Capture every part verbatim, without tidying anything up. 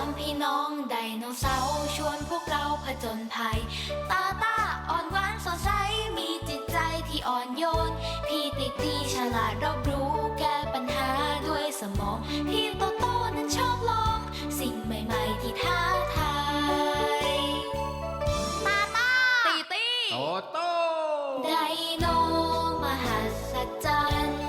ามพี่น้องไดโนเสาร์ชวนพวกเราผจญภัยตาตาอ่อนหวานสดใสมีจิตใจที่อ่อนโยนพี่ติตี้ฉลาดรอบรู้แก้ปัญหาด้วยสมองพี่โตโต้นั้นชอบลองสิ่งใหม่ๆที่ท้าทายตาตาตีตี้โตโต้ไดโนมหัศจรรย์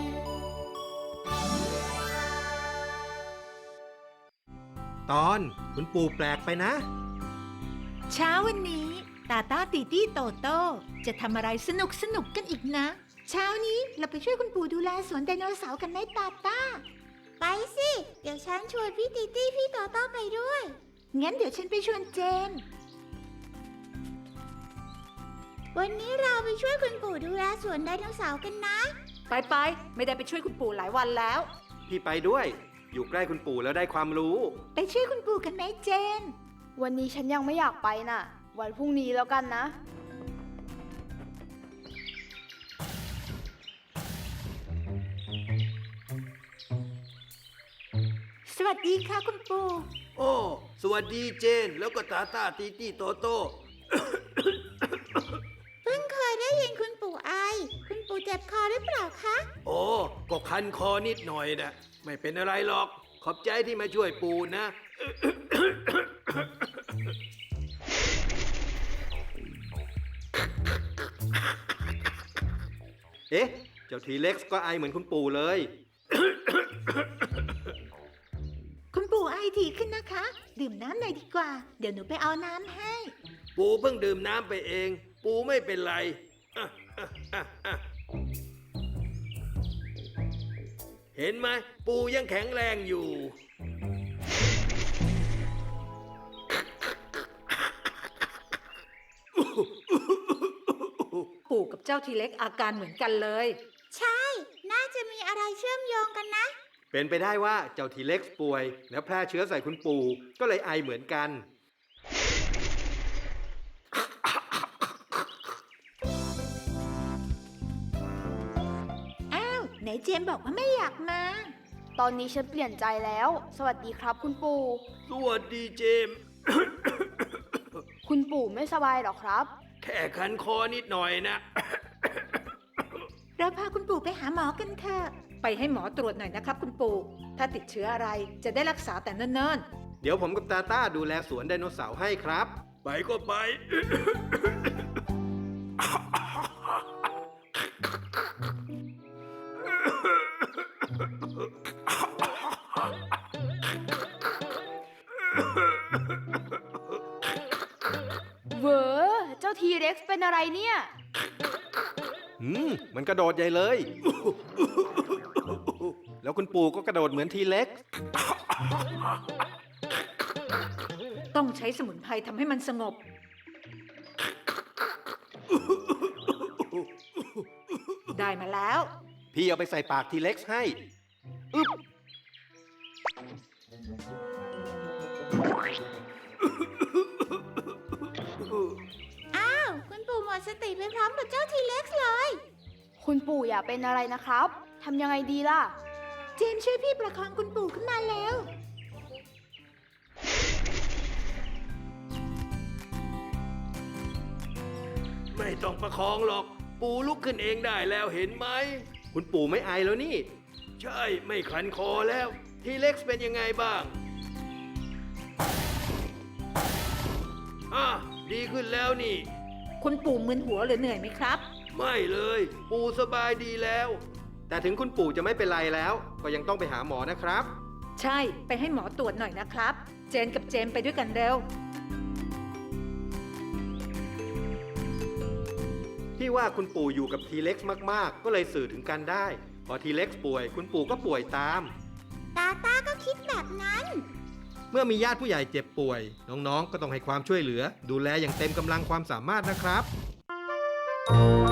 ตอนคุณปู่แปลกไปนะเช้าวันนี้ตาตาตีตี้โตโต้จะทำอะไรสนุกสนุกกันอีกนะ เช้านี้เราไปช่วยคุณปู่ดูแลสวนไดโนเสาร์กันไหมตาตาไปสิเดี๋ยวฉันชวนพี่ตีตี้พี่โตโต้ไปด้วยงั้นเดี๋ยวฉันไปชวนเจนวันนี้เราไปช่วยคุณปู่ดูแลสวนไดโนเสาร์กันนะไปไปไม่ได้ไปช่วยคุณปู่หลายวันแล้วพี่ไปด้วยอยู่ใกล้คุณปู่แล้วได้ความรู้ไปช่วยคุณปู่กันไหมเจนวันนี้ฉันยังไม่อยากไปน่ะวันพรุ่งนี้แล้วกันนะสวัสดีค่ะคุณปู่โอ้สวัสดีเจนแล้วก็ตาตาตีตี้โตโต้เพิ่งเคยได้ยินคุณปู่ไอคุณปู่เจ็บคอหรือเปล่าคะโอ้ก็คันคอนิดหน่อยนะไม่เป็นอะไรหรอกขอบใจที่มาช่วยปู่นะเอ๊ะเจ้าทีเล็กซ์ก็ไอเหมือนคุณปู่เลยคุณปู่ไอถี่ขึ้นนะคะ ดื่มน้ำหน่อยดีกว่า เดี๋ยวหนูไปเอาน้ำให้ปู่เพิ่งดื่มน้ำไปเอง ปู่ไม่เป็นไรอ่ะอ่ะอ่ะอ่ะเห็นไหมปู่ยังแข็งแรงอยู่ปู่กับเจ้าทีเล็กอาการเหมือนกันเลย ใช่ น่าจะมีอะไรเชื่อมโยงกันนะเป็นไปได้ว่าเจ้าทีเล็กซ์ป่วย แล้วแพร่เชื้อใส่คุณปู่ก็เลยไอเหมือนกันอ้าวไหนเจมบอกว่าไม่อยากมาตอนนี้ฉันเปลี่ยนใจแล้ว สวัสดีครับคุณปู่สวัสดีเจมส์คุณปู่ไม่สบายหรอครับแค่คันคอนิดหน่อยนะเราพาคุณปู่ไปหาหมอกันเถอะ ไปให้หมอตรวจหน่อยนะครับคุณปู่ ถ้าติดเชื้ออะไรจะได้รักษาแต่เนิ่นเดี๋ยวผมกับตาต้าดูแลสวนไดโนเสาร์ให้ครับไปก็ไปเวอเจ้าทีเร็กซ์เป็นอะไรเนี่ยอืมมันกระโดดใหญ่เลย แล้วคุณปู่ก็กระโดดเหมือนทีเล็กซ์ๆ ต้องใช้สมุนไพรทำให้มันสงบ ได้มาแล้วพี่เอาไปใส่ปากทีเล็กซ์ให้อึ๊บอ้าว คุณปู่หมดสติไปพร้อมกับเจ้าทีเล็กซ์เลยคุณปู่อย่าเป็นอะไรนะครับทำยังไงดีล่ะเจมช่วยพี่ประคองคุณปู่ขึ้นมาแล้วไม่ต้องประคองหรอก ปู่ลุกขึ้นเองได้แล้วเห็นไหมคุณปู่ไม่ไอแล้วนี่ใช่ไม่คันคอแล้ว ทีเล็กซ์เป็นยังไงบ้าง อ่ะ ดีขึ้นแล้วนี่คุณปู่มึนหัวหรือเหนื่อยไหมครับไม่เลย ปู่สบายดีแล้วแต่ถึงคุณปู่จะไม่เป็นไรแล้ว ก็ยังต้องไปหาหมอนะครับใช่ ไปให้หมอตรวจหน่อยนะครับ เจนกับเจมไปด้วยกันเร็วที่ว่าคุณปู่อยู่กับทีเล็กซ์มากๆ ก็เลยสื่อถึงกันได้ พอทีเล็กซ์ป่วย คุณปู่ก็ป่วยตามตาตาก็คิดแบบนั้นเมื่อมีญาติผู้ใหญ่เจ็บป่วย น้องๆ ก็ต้องให้ความช่วยเหลือ ดูแลอย่างเต็มกำลังความสามารถนะครับ